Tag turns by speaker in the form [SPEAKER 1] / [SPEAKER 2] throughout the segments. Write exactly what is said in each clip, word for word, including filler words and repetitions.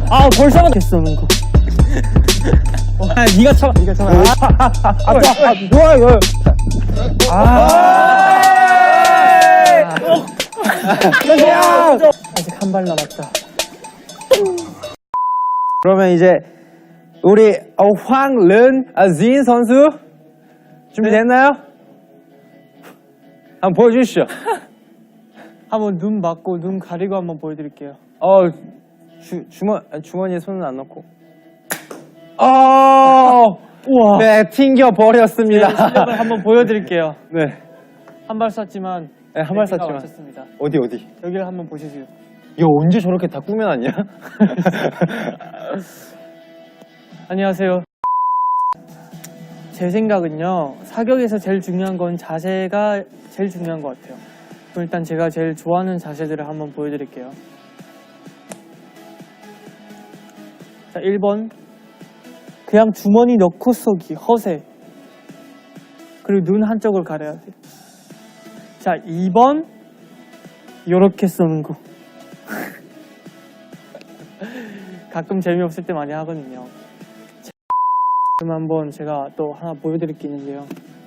[SPEAKER 1] 아 벌써 됐어 는 거. 아 네가 참아 네가 참아. 아, 아, 아, 아, 아, 뭐야 이거. 아. 아직 한 발 남았다.
[SPEAKER 2] 그러면 이제 우리 어, 황른진 선수 준비됐나요? 한번 보여주시죠.
[SPEAKER 1] 한번 눈 막고 눈 가리고 한번 보여드릴게요.
[SPEAKER 2] 어 주, 주머 주머니에 손은 안 넣고. 어.
[SPEAKER 1] 우와.
[SPEAKER 2] 네, 튕겨 버렸습니다.
[SPEAKER 1] 네, 실력을 한번 보여드릴게요.
[SPEAKER 2] 네.
[SPEAKER 1] 한 발 쐈지만.
[SPEAKER 2] 네, 한 발 쐈지만.
[SPEAKER 1] 맞췄습니다.
[SPEAKER 2] 어디 어디?
[SPEAKER 1] 여기를 한번 보시죠.
[SPEAKER 2] 이거 언제 저렇게 다 꾸며놨냐?
[SPEAKER 1] 안녕하세요. 제 생각은요, 사격에서 제일 중요한 건 자세가 제일 중요한 것 같아요. 그럼 일단 제가 제일 좋아하는 자세들을 한번 보여드릴게요. 자, 일 번. 그냥 주머니 넣고 쏘기, 허세. 그리고 눈 한쪽을 가려야 돼요. 자, 이 번. 요렇게 쏘는 거. 가끔 재미없을 때 많이 하거든요. 그럼 한번 제가 또 하나 보여드릴 게 있는데요.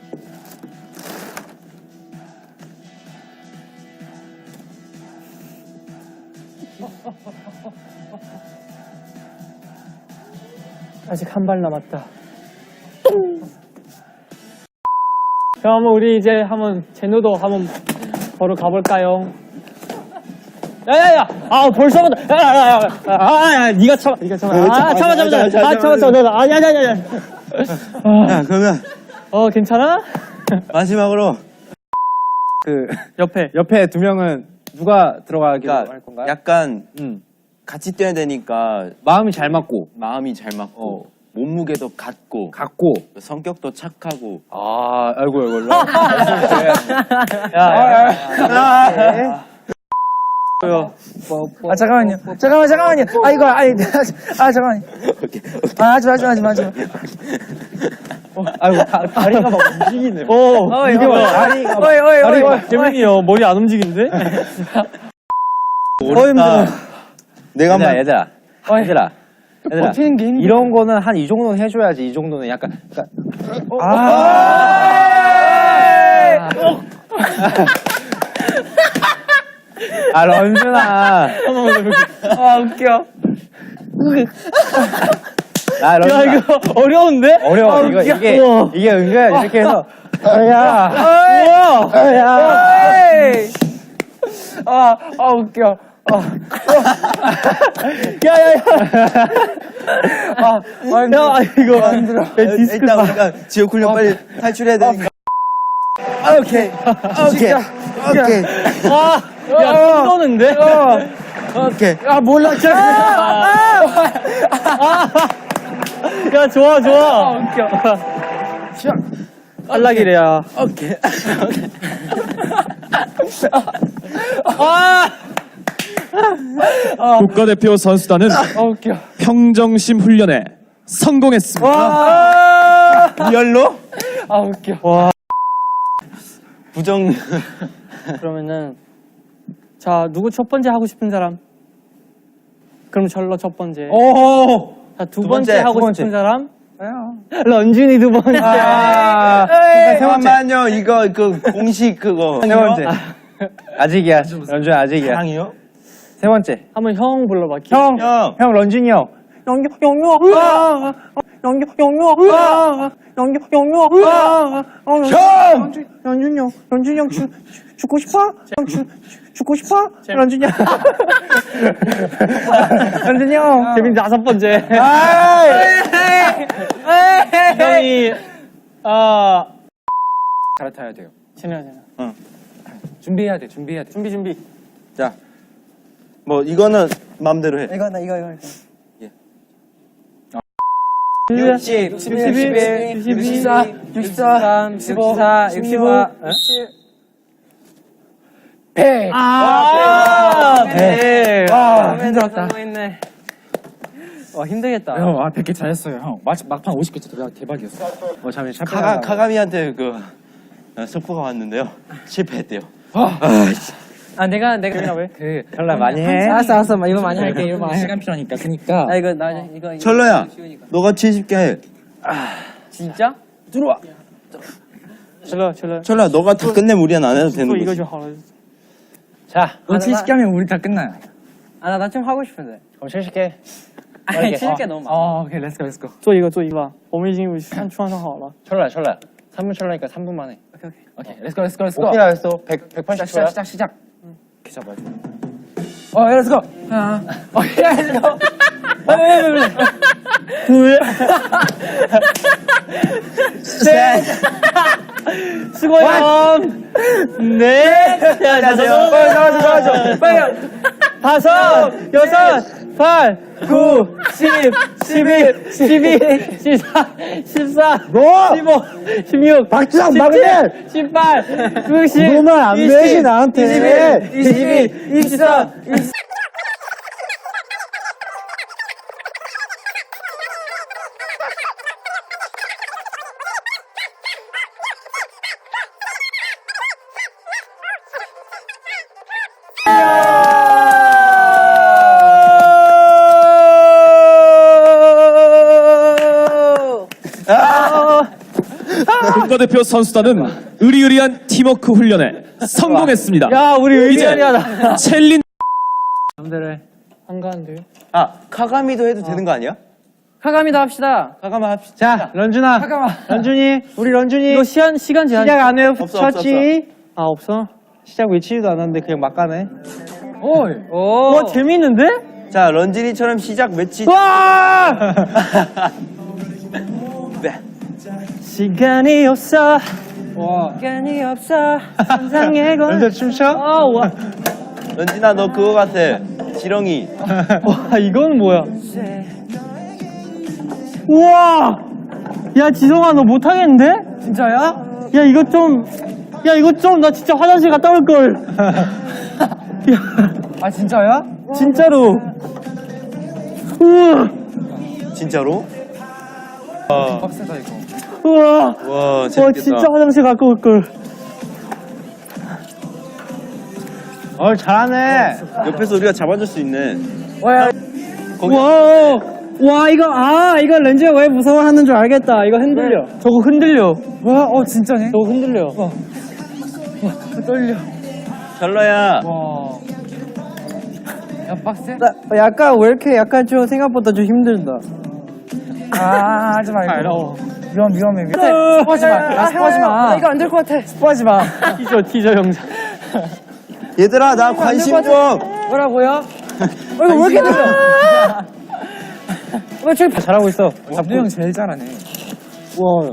[SPEAKER 1] 아직 한 발 남았다. 그럼 한번 우리 이제 한번 제노도 한번 보러 가볼까요? 야야야! 아 벌써부터 야야야! 아야 네가 참아 네가 참아 아 참아 참아 참아 아 참아 참아 내가 아야야야야.
[SPEAKER 3] 야, 그러면
[SPEAKER 1] 어 괜찮아?
[SPEAKER 3] 마지막으로
[SPEAKER 2] 그
[SPEAKER 1] 옆에
[SPEAKER 2] 옆에 두 명은 누가 들어가기로
[SPEAKER 3] 그러니까
[SPEAKER 2] 할 건가요?
[SPEAKER 3] 약간
[SPEAKER 2] 음.
[SPEAKER 3] 같이 뛰어야 되니까
[SPEAKER 2] 마음이 잘 맞고
[SPEAKER 3] 마음이 잘 맞고 몸무게도 같고
[SPEAKER 2] 같고.
[SPEAKER 3] 성격도 착하고
[SPEAKER 2] 아, 아이고 아이고.
[SPEAKER 1] 야야야. 뭐요?
[SPEAKER 4] 아 잠깐만요. 잠깐만 잠깐만요. 아 이거 아니 아 잠깐만요. 아 하지 마 하지 마 하지 마 하지 마.
[SPEAKER 2] 아이고 다, 다리가 막 움직이네.
[SPEAKER 1] 어
[SPEAKER 4] 어이
[SPEAKER 1] 이게
[SPEAKER 4] 어이
[SPEAKER 1] 뭐야?
[SPEAKER 2] 다리가 막-
[SPEAKER 4] 어이 어이 어이 어이.
[SPEAKER 1] 재민이 형 머리 안 움직이는데?
[SPEAKER 3] 어렵다. 내가
[SPEAKER 2] 얘들아
[SPEAKER 3] 한번
[SPEAKER 2] 얘들아 얘들아 얘들아
[SPEAKER 4] 버티는 게 힘들어.
[SPEAKER 2] 이런 거는 한 이 정도는 해줘야지. 이 정도는 약간 약간 아 런쥔아.
[SPEAKER 1] 아 웃겨.
[SPEAKER 2] 아
[SPEAKER 1] 야
[SPEAKER 2] 런쥔아
[SPEAKER 1] 이거 어려운데?
[SPEAKER 2] 어려워.
[SPEAKER 1] 아,
[SPEAKER 2] 이거
[SPEAKER 1] 웃겨.
[SPEAKER 2] 이게
[SPEAKER 1] 우와.
[SPEAKER 2] 이게 은근 이렇게 해서 야
[SPEAKER 1] 우와.
[SPEAKER 2] 야
[SPEAKER 4] 아, 아 웃겨.
[SPEAKER 1] 야야야.
[SPEAKER 4] 아, 아
[SPEAKER 1] 야 이거 안 들어. 디스크
[SPEAKER 3] 일단 우리가 지옥 훈련 빨리 탈출해야 되니까.
[SPEAKER 4] 아, 오케이.
[SPEAKER 3] 오케이. 오케이.
[SPEAKER 1] 와. 야 쏘는데?
[SPEAKER 3] 오케이.
[SPEAKER 4] 아 몰라.
[SPEAKER 1] 야 좋아 좋아.
[SPEAKER 4] 웃겨.
[SPEAKER 1] 탈락이래야.
[SPEAKER 3] 오케이.
[SPEAKER 5] 국가대표 선수단은
[SPEAKER 4] 아 웃겨.
[SPEAKER 5] 평정심 훈련에 성공했습니다.
[SPEAKER 3] 리얼로?
[SPEAKER 4] 아 웃겨.
[SPEAKER 3] 부정.
[SPEAKER 1] 그러면은 자 누구 첫 번째 하고 싶은 사람? 그럼 절로 첫 번째.
[SPEAKER 2] 오.
[SPEAKER 1] 자 두
[SPEAKER 3] 두
[SPEAKER 1] 번째,
[SPEAKER 3] 번째,
[SPEAKER 1] 하고
[SPEAKER 2] 두 번째.
[SPEAKER 1] 싶은 사람? 런쥔이 두 번째.
[SPEAKER 2] 아,
[SPEAKER 3] 세
[SPEAKER 2] 세 번째.
[SPEAKER 3] 번만요. 이거 그 공식 그거.
[SPEAKER 2] 세 번째. 아직이야. 런쥔 아직이야.
[SPEAKER 3] 사랑이요?
[SPEAKER 2] 세 번째.
[SPEAKER 1] 한번 형 불러봐.
[SPEAKER 2] 형,
[SPEAKER 3] 형.
[SPEAKER 2] 형 런쥔이 형. 영유, 영유, 아, 영유, 영유, 아, 영유, 영유, 아,
[SPEAKER 3] 형!
[SPEAKER 2] 런쥔이 형, 런쥔이 형 죽, 죽고 싶어? 형 죽, 죽고 싶어? 런쥔이 형. 런쥔이 형.
[SPEAKER 1] 재민 다섯 번째. 형이 아
[SPEAKER 2] 갈아타야 돼요.
[SPEAKER 1] 지내야 되나?
[SPEAKER 2] 준비해야 돼, 준비해야 돼.
[SPEAKER 1] 준비 준비.
[SPEAKER 3] 자, 뭐 이거는 마음대로 해.
[SPEAKER 4] 이거 나 이거 이거.
[SPEAKER 3] 육십,
[SPEAKER 1] 육십일, 육십이,
[SPEAKER 4] 육십사, 육십사, 육십사, 육십오, 백.
[SPEAKER 1] 아, 네.
[SPEAKER 4] 아, 힘들었다.
[SPEAKER 1] 와 힘들겠다.
[SPEAKER 5] 형, 아, 백 개 잘했어요, 형. 막, 막판 오십 개 진짜 대박이었어.
[SPEAKER 2] 어, 잠시
[SPEAKER 3] 카가, 카가미한테 그 어, 속보가 왔는데요. 실패했대요.
[SPEAKER 2] 아 내가 내가 왜?
[SPEAKER 5] 그
[SPEAKER 4] 별로 많이 해.
[SPEAKER 2] 알았어 알았어 이거 많이 할게 이거 많이.
[SPEAKER 5] 시간 필요하니까 그니까
[SPEAKER 2] 아 이거 나 이거
[SPEAKER 3] 철러야, 너가 칠십 개 해.
[SPEAKER 2] 진짜?
[SPEAKER 4] 들어와.
[SPEAKER 1] 철러 철러.
[SPEAKER 3] 철러야, 너가 다 끝내면 우리는 안 해도 되는
[SPEAKER 1] 또
[SPEAKER 3] 거지.
[SPEAKER 1] 이거 좀 하라.
[SPEAKER 4] 자, 너 칠십 개 하면 우리 다 끝나요.
[SPEAKER 2] 아 나 좀 하고 싶은데.
[SPEAKER 4] 그럼 칠십 개.
[SPEAKER 2] 아니 칠십 개 너무 많아.
[SPEAKER 4] 어, 오케이, 렛츠고, 렛츠고.
[SPEAKER 1] 做一个做一个吧，我们已经三穿上好了。
[SPEAKER 4] 철러야, 철러야. 삼 분 철러니까 삼 분 만에.
[SPEAKER 2] 오케이 오케이.
[SPEAKER 4] 오케이, 렛츠고, 렛츠고, 렛츠고.
[SPEAKER 3] 어떻게 알았어? 백,
[SPEAKER 4] 시작, 시작, 시작, 시작. 이렇게 잡아줘. 어, 렛츠고. 하나. 어, 렛츠고. 왜, 왜, 왜, 왜.
[SPEAKER 1] 둘, 셋, 수고해요. 넷, 야, 자, 자,
[SPEAKER 4] 빨리 나와줘, 나와줘. 빨리.
[SPEAKER 1] 다섯, 여섯, 팔, 구, 십, 십일, 십이, 십사, 십사, 십오, 십육,
[SPEAKER 4] 박주상
[SPEAKER 1] 막내! 십팔, 육십,
[SPEAKER 4] 너만 안 매지, 나한테.
[SPEAKER 1] 이십일, 이십이, 이십삼, 이십사.
[SPEAKER 5] 국가대표 선수단은 의리의리한 팀워크 훈련에 성공했습니다.
[SPEAKER 1] 야, 우리
[SPEAKER 5] 이제
[SPEAKER 1] 의리하다.
[SPEAKER 5] 챌린
[SPEAKER 1] 안 가는데요?
[SPEAKER 3] 아, 카가미도 해도 되는 거 아니야?
[SPEAKER 2] 카가미도 합시다.
[SPEAKER 3] 카가미 합시다.
[SPEAKER 4] 자, 런준아.
[SPEAKER 2] 잠깐만.
[SPEAKER 4] 런준이, 우리 런준이.
[SPEAKER 1] 이거 시간, 시간 제한.
[SPEAKER 4] 시작 안 해요?
[SPEAKER 3] 없어, 없어,
[SPEAKER 4] 쳤지?
[SPEAKER 1] 아, 없어?
[SPEAKER 4] 시작 외치지도 않았는데 그냥 막 가네.
[SPEAKER 2] 오이. 오.
[SPEAKER 1] 와, 재밌는데?
[SPEAKER 3] 자, 런쥔이처럼 시작 외치.
[SPEAKER 1] 와!
[SPEAKER 3] 네.
[SPEAKER 1] 시간이 없어.
[SPEAKER 4] 와.
[SPEAKER 2] 시간이 없어.
[SPEAKER 1] 상상의 건.
[SPEAKER 4] 런준 춤춰?
[SPEAKER 1] 아, 와.
[SPEAKER 3] 런쥔아, 너 그거 같아. 지렁이.
[SPEAKER 1] 와, 이건 뭐야? 우와! 야, 지성아, 너 못하겠는데?
[SPEAKER 2] 진짜야?
[SPEAKER 1] 야, 이거 좀, 야, 이거 좀, 나 진짜 화장실 갔다 올걸. 야,
[SPEAKER 2] 아 진짜야?
[SPEAKER 1] 진짜로. 우와!
[SPEAKER 3] 진짜로?
[SPEAKER 5] 빡세다 이거.
[SPEAKER 1] 우와!
[SPEAKER 3] 와,
[SPEAKER 1] 와,
[SPEAKER 3] 재밌겠다.
[SPEAKER 1] 진짜 화장실 갔다 올걸.
[SPEAKER 4] 어, 잘하네.
[SPEAKER 3] 옆에서 우리가 잡아줄 수 있네. 거기
[SPEAKER 1] 와, 와, 이거, 아, 이거 렌즈가 왜 무서워하는 줄 알겠다. 이거 흔들려. 저거 흔들려.
[SPEAKER 2] 와, 어 진짜네.
[SPEAKER 1] 저거 흔들려.
[SPEAKER 2] 떨려.
[SPEAKER 3] 철러야.
[SPEAKER 2] 와. 야 빡세?
[SPEAKER 1] 약간, 왜 이렇게 약간 좀 생각보다 좀 힘들다.
[SPEAKER 2] 아 하지 말고.
[SPEAKER 1] 어려워.
[SPEAKER 2] 위험 위험해 위험. 스포하지 마. 아, 스포하지 마. 이거 안 될 것 같아.
[SPEAKER 1] 스포하지 마. 티저, 티저 영상.
[SPEAKER 3] 얘들아, 나 관심 좀.
[SPEAKER 2] 뭐라고요? 어, 이거 왜 이렇게 들려? 왜 저기
[SPEAKER 4] 잘하고 있어.
[SPEAKER 5] 잡두 형 제일 잘하네.
[SPEAKER 4] 우와.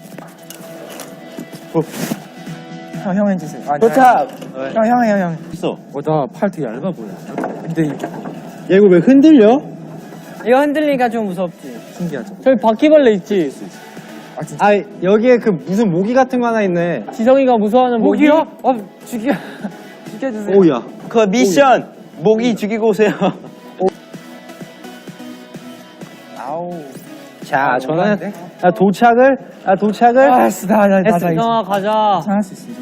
[SPEAKER 5] 형, 형 해주세요. 아,
[SPEAKER 3] 도착.
[SPEAKER 5] 형, 형, 형, 형.
[SPEAKER 3] 있어.
[SPEAKER 5] 어, 나 팔 되게 얇아 보여. 근데 이게
[SPEAKER 4] 얘 이거 왜 흔들려?
[SPEAKER 2] 이거 흔들리니까 좀 무섭지.
[SPEAKER 5] 신기하죠.
[SPEAKER 1] 저기 바퀴벌레 있지?
[SPEAKER 5] 아, 진짜.
[SPEAKER 4] 아, 여기에 그 무슨 모기 같은 거 하나 있네.
[SPEAKER 1] 지성이가 무서워하는 모기?
[SPEAKER 2] 모기요? 어 죽여 죽여주세요.
[SPEAKER 4] 오야.
[SPEAKER 3] 그 미션. 모기 죽이고 오세요.
[SPEAKER 5] 아우.
[SPEAKER 4] 자, 저는
[SPEAKER 5] 올라왔는데?
[SPEAKER 4] 아, 도착을, 아, 도착을.
[SPEAKER 5] 아, 씨, 나, 나, 나, 나,
[SPEAKER 1] 지성아, 가자.
[SPEAKER 5] 잘할 수 있어.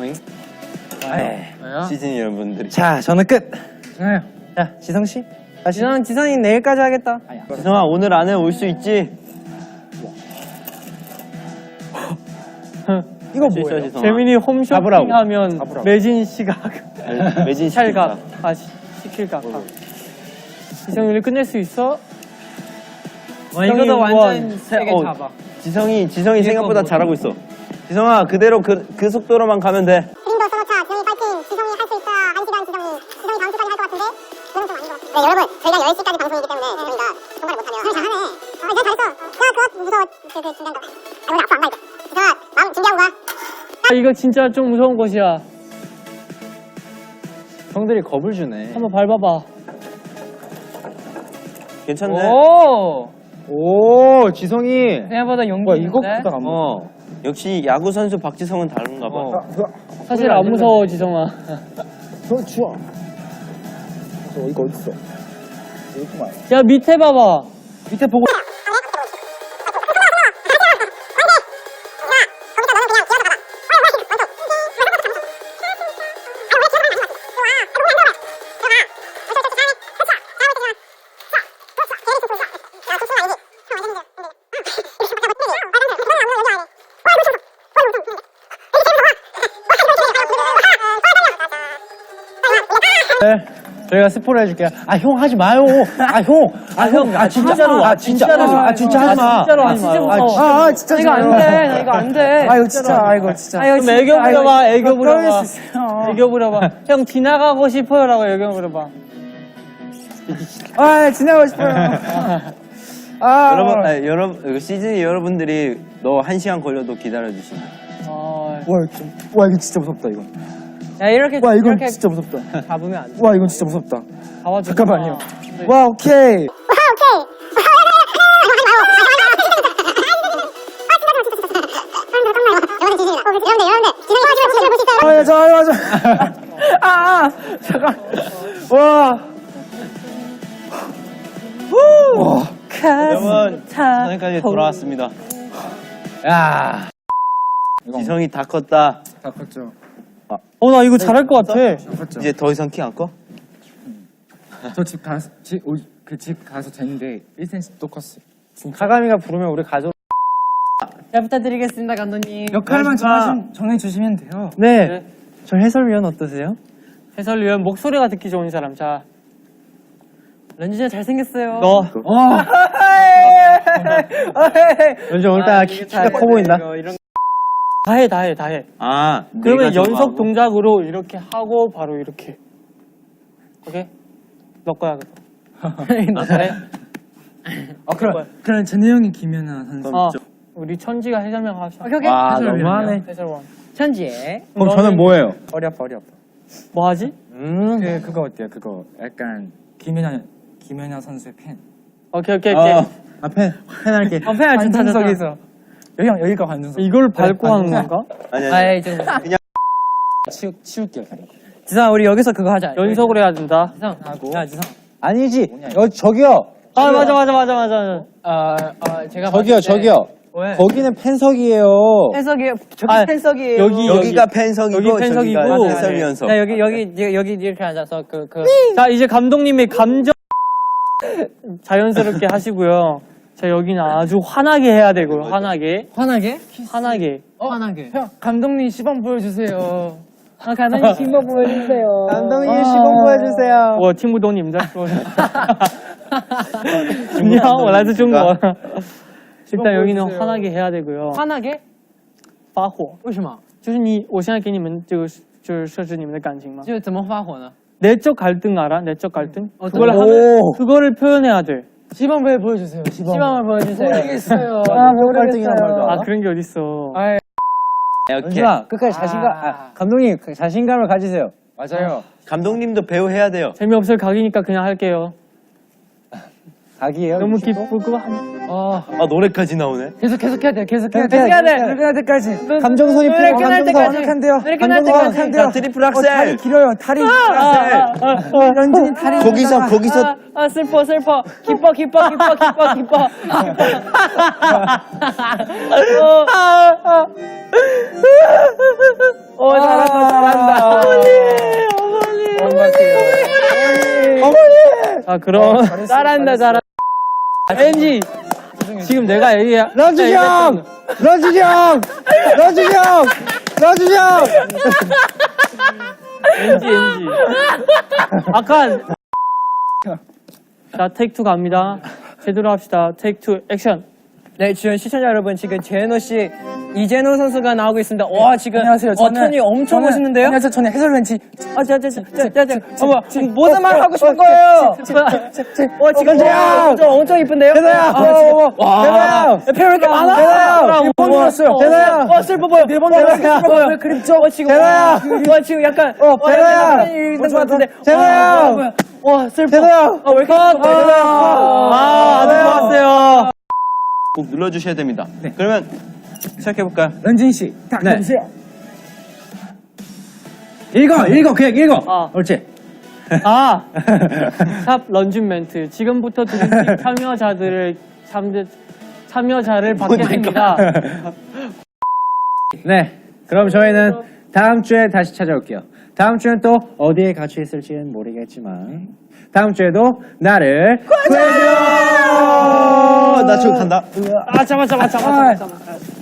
[SPEAKER 3] 시즌 여러분들이.
[SPEAKER 4] 자, 저는 끝.
[SPEAKER 5] 괜찮아요.
[SPEAKER 4] 자, 지성씨.
[SPEAKER 2] 지선 지선이 내일까지 하겠다.
[SPEAKER 3] 지성아, 오늘 안에 올 수 있지?
[SPEAKER 1] 이거
[SPEAKER 3] 뭐야? 지성아.
[SPEAKER 1] 재민이 홈쇼핑
[SPEAKER 4] 잡으라고.
[SPEAKER 1] 하면 매진 시각,
[SPEAKER 3] 매진
[SPEAKER 1] 찰각,
[SPEAKER 3] 시킬까?
[SPEAKER 1] 아, 시- 시킬각. 지성이 우리 끝낼 수 있어?
[SPEAKER 2] 와 이거도 완전 세게
[SPEAKER 3] 어,
[SPEAKER 2] 잡아.
[SPEAKER 3] 지성이, 지성이 생각보다
[SPEAKER 2] 뭐지?
[SPEAKER 3] 잘하고 있어. 지성아, 그대로 그, 그 속도로만 가면 돼.
[SPEAKER 6] 그림도 써놓자. 지성이 파이팅. 지성이 할 수 있어. 한 시간 지성이. 지성이 다음 주까지 할 것 같은데? 그건 좀 아닌 것 같아. 네, 여러분. 저희가 열 시까지 방송이기 때문에 저희가 통과를 못하면. 그래, 잘하네. 어, 이제 잘했어. 야, 그거 무서워. 그, 그, 준비한 거. 아, 우리 앞으로 안 가니까. 지성아, 마음 준비하고 가.
[SPEAKER 1] 아, 이거 진짜 좀 무서운 곳이야.
[SPEAKER 4] 형들이 겁을 주네.
[SPEAKER 1] 한번 밟아봐.
[SPEAKER 3] 괜찮네.
[SPEAKER 2] 오.
[SPEAKER 4] 오, 지성이.
[SPEAKER 2] 생각보다 용기
[SPEAKER 5] 와, 이거
[SPEAKER 2] 있는데?
[SPEAKER 5] 크다, 안 먹어.
[SPEAKER 3] 어. 역시 야구 선수 박지성은 다른가 봐.
[SPEAKER 4] 어.
[SPEAKER 1] 사실 안 무서워, 지성아.
[SPEAKER 5] 저 추워. 저 이거 어딨어? 이거구만.
[SPEAKER 1] 야, 밑에 봐봐.
[SPEAKER 5] 밑에 보고. 저희가 스포를 해줄게요. 아, 형 하지 마요. 아, 형. 아, 형. 아, 진짜로. 아, 진짜로. 아, 진짜 하지 마.
[SPEAKER 1] 진짜로 하지 마요.
[SPEAKER 5] 아, 진짜. 아, 진짜.
[SPEAKER 2] 이거 안 돼. 나 이거 안 돼.
[SPEAKER 5] 아이고, 진짜. 아이고, 진짜.
[SPEAKER 1] 그럼 애교 부려봐, 애교 부려봐.
[SPEAKER 5] 수 있어요.
[SPEAKER 1] 애교 부려봐. 형 지나가고 싶어요라고 애교 부려봐.
[SPEAKER 5] 아, 지나가고 싶어요. 아,
[SPEAKER 3] 여러분, 아니, 여러분 시즌이 여러분들이 너 한 시간 걸려도 기다려 주신다.
[SPEAKER 1] 어,
[SPEAKER 5] 와, 이거 좀- 와, 이거 진짜 무섭다, 이거.
[SPEAKER 1] 야 이렇게
[SPEAKER 5] 와, 이건
[SPEAKER 1] 이렇게
[SPEAKER 5] 진짜 무섭다.
[SPEAKER 1] 잡으면 안 돼.
[SPEAKER 5] 와, 이건 진짜 무섭다.
[SPEAKER 1] 잡아줘.
[SPEAKER 5] 잠깐만요. 와, 오케이. 아, 야, 저, 아, 맞아. 아, 아, 잠깐. 와. 와.
[SPEAKER 3] 여러분, 지성이까지 돌아왔습니다.
[SPEAKER 5] 야.
[SPEAKER 3] 지성이 다 컸다.
[SPEAKER 5] 다 컸죠.
[SPEAKER 1] 어 나 이거 잘할 것 같아.
[SPEAKER 5] 컸죠.
[SPEAKER 3] 이제 더 이상 키 안 커?
[SPEAKER 5] 저 집 가서, 집, 그 집 가서 쟀는데 일 센티미터 또 컸어요.
[SPEAKER 1] 가감이가 부르면 우리 가족. 잘 부탁드리겠습니다, 감독님.
[SPEAKER 5] 역할만 정하시, 정해주시면 돼요.
[SPEAKER 1] 네.
[SPEAKER 2] 네. 저 해설위원 어떠세요?
[SPEAKER 1] 해설위원 목소리가 듣기 좋은 사람. 자,
[SPEAKER 2] 런쥔이 잘생겼어요.
[SPEAKER 1] 너.
[SPEAKER 5] 와.
[SPEAKER 1] 런쥔 오늘따라 키, 키가 커 보인다. 다 해, 다 해, 다 해.
[SPEAKER 3] 아,
[SPEAKER 1] 그러면
[SPEAKER 3] 내가
[SPEAKER 1] 연속
[SPEAKER 3] 좋아하고.
[SPEAKER 1] 동작으로 이렇게 하고 바로 이렇게. 오케이? 너 거야, 그거. 너 잘해?
[SPEAKER 5] 아, 그럼, 그럼 제네 형이 김연아 선수.
[SPEAKER 1] 어. 우리 천지가 해설명 합시다.
[SPEAKER 2] 오케이, 오케이.
[SPEAKER 3] 와,
[SPEAKER 5] 해설위원이요?
[SPEAKER 3] 너무하네.
[SPEAKER 1] 해설원.
[SPEAKER 2] 천지에.
[SPEAKER 5] 그럼 저는 뭐예요? 허리 아파, 허리 아파.
[SPEAKER 1] 뭐 하지?
[SPEAKER 5] 그, 그거 어때요? 그거 약간 김연아, 김연아 선수의 팬.
[SPEAKER 1] 오케이, 오케이, 오케이.
[SPEAKER 3] 어, 아, 펜, 펜 할게.
[SPEAKER 1] 어, 팬 알지?
[SPEAKER 5] 관중석에서. 여기, 여기가 관중석.
[SPEAKER 1] 이걸 밟고
[SPEAKER 5] 네,
[SPEAKER 1] 하는 건가?
[SPEAKER 3] 아니, 아니.
[SPEAKER 2] 아이, 좀.
[SPEAKER 5] 치우, 치울게요.
[SPEAKER 2] 지성아, 우리 여기서 그거 하자.
[SPEAKER 1] 연속으로 해야 된다.
[SPEAKER 2] 지성.
[SPEAKER 5] 하고.
[SPEAKER 2] 야, 지성.
[SPEAKER 5] 아니지. 여, 저기요.
[SPEAKER 1] 아, 맞아, 맞아, 맞아, 맞아.
[SPEAKER 2] 어, 어, 제가.
[SPEAKER 5] 저기요,
[SPEAKER 2] 봤을 때-
[SPEAKER 5] 저기요.
[SPEAKER 2] 왜?
[SPEAKER 5] 거기는 팬석이에요.
[SPEAKER 2] 팬석이에요. 저기
[SPEAKER 1] 아,
[SPEAKER 2] 팬석이에요.
[SPEAKER 1] 여기,
[SPEAKER 3] 여기가 팬석이고
[SPEAKER 1] 여기 팬석이고.
[SPEAKER 3] 저기가
[SPEAKER 1] 맞아요.
[SPEAKER 3] 해설위원석.
[SPEAKER 2] 자, 여기, 여기, 여기, 여기 이렇게 앉아서 그, 그.
[SPEAKER 1] 자, 이제 감독님이 감정 자연스럽게 하시고요. 자, 여기는 아주 환하게 해야 되고요. 환하게.
[SPEAKER 2] 환하게?
[SPEAKER 1] 환하게.
[SPEAKER 2] 어? 환하게. 형, 감독님 시범 보여주세요. 아, 감독님 시범 보여주세요.
[SPEAKER 5] 감독님 시범 보여주세요.
[SPEAKER 1] 我听不懂你们在说什么。你好，我来自中国。 일단 여기는 환하게 해야 되고요.
[SPEAKER 2] 환하게?
[SPEAKER 1] 发火
[SPEAKER 2] 为什么？
[SPEAKER 1] 就是你，我现在给你们这个就是设置你们的感情嘛。
[SPEAKER 2] 就怎么发火呢？
[SPEAKER 1] 내적 갈등 알아? 내적 갈등?
[SPEAKER 2] 어떤
[SPEAKER 1] 그걸
[SPEAKER 2] 거?
[SPEAKER 1] 하면 그거를 표현해야 돼.
[SPEAKER 2] 시범 보여주세요. 시범. 시범을 보여주세요. 모르겠어요.
[SPEAKER 5] 아, 모르겠어요. 말도
[SPEAKER 1] 아 그런 게 어딨어.
[SPEAKER 2] 아,
[SPEAKER 3] 오케이.
[SPEAKER 5] 끝까지 자신감, 아, 감독님, 그 자신감을 가지세요. 맞아요.
[SPEAKER 3] 감독님도 배우 해야 돼요.
[SPEAKER 1] 재미없을 각이니까 그냥 할게요.
[SPEAKER 5] 각이에요.
[SPEAKER 1] 너무 기쁘고 한...
[SPEAKER 2] 어,
[SPEAKER 3] 아, 노래까지 나오네.
[SPEAKER 2] 계속 계속 해야 돼. 계속 해야 돼.
[SPEAKER 5] 계속 해야 돼.
[SPEAKER 2] 계속 해야 때까지.
[SPEAKER 5] 감정선이
[SPEAKER 2] 노래
[SPEAKER 5] 필요,
[SPEAKER 2] 끝날
[SPEAKER 5] 감정선
[SPEAKER 2] 때까지.
[SPEAKER 5] 완벽한데요.
[SPEAKER 2] 노래 끝날
[SPEAKER 5] 감정선
[SPEAKER 2] 때까지.
[SPEAKER 5] 완벽한데요.
[SPEAKER 3] 자, 트리플
[SPEAKER 5] 어, 다리
[SPEAKER 3] 악셀.
[SPEAKER 5] 길어요, 다리. 런쥔이 다리.
[SPEAKER 3] 거기서 거기서
[SPEAKER 1] 아, 아 슬퍼 슬퍼 기뻐 기뻐 기뻐 기뻐 기뻐 어, 아, 아. 어 잘한다 잘한다 어머니 어머니 어머니 아 그럼 잘한다 잘한다 왠지 지금 내가 얘기해
[SPEAKER 5] 런쥔이 형! 런쥔이 형! 런쥔이 형! 런쥔이 형!
[SPEAKER 1] 엔지 엔지 아까 자 테이크 투 갑니다 제대로 합시다 테이크 투 액션
[SPEAKER 2] 네, 주연 시청자 여러분, 지금 제노 씨, 이제노 선수가 나오고 있습니다. 와, 지금
[SPEAKER 5] 안녕하세요.
[SPEAKER 2] 어, 톤이 엄청
[SPEAKER 5] 저는-
[SPEAKER 2] 멋있는데요?
[SPEAKER 5] 안녕하세요. 저는 해설위원치.
[SPEAKER 2] 아, 자, 자, 자, 자, 자, 자, 어머,
[SPEAKER 5] 지금
[SPEAKER 2] 모든 말 하고 싶은 거예요. 어, 지금
[SPEAKER 5] 대박!
[SPEAKER 2] 엄청 엄청 이쁜데요?
[SPEAKER 5] 대박!
[SPEAKER 2] 아, 지금
[SPEAKER 5] 와!
[SPEAKER 2] 대박! 표 이렇게 많아?
[SPEAKER 5] 대박! 일본 들었어요. 대박!
[SPEAKER 2] 어, 슬퍼 보여. 일본
[SPEAKER 5] 대박!
[SPEAKER 2] 슬퍼 보여. 그립죠? 어, 지금
[SPEAKER 5] 대박!
[SPEAKER 2] 와, 지금 약간
[SPEAKER 5] 어, 대박!
[SPEAKER 2] 있는 것 같은데.
[SPEAKER 5] 대박!
[SPEAKER 2] 와, 와, 슬퍼.
[SPEAKER 5] 대박!
[SPEAKER 2] 어, 왜 이렇게 슬퍼?
[SPEAKER 1] 아 아주 좋았어요
[SPEAKER 3] 꼭 눌러주셔야 됩니다. 그러면 시작해볼까요?
[SPEAKER 5] 런쥔 씨, 딱 해주세요. 읽어, 읽어, 그냥 읽어.
[SPEAKER 1] 아.
[SPEAKER 5] 옳지.
[SPEAKER 1] 아, 샵 런쥔 멘트. 지금부터 드림팀 참여자들을 참, 참여자를 받겠습니다.
[SPEAKER 5] 네, 그럼 저희는 다음 주에 다시 찾아올게요. 다음 주엔 또 어디에 갇혀 있을지는 모르겠지만 다음 주에도 나를 구해줘.
[SPEAKER 3] 나 저기 간다.
[SPEAKER 1] 아, 잡아, 잡아, 잡아, 잡아, 잡아.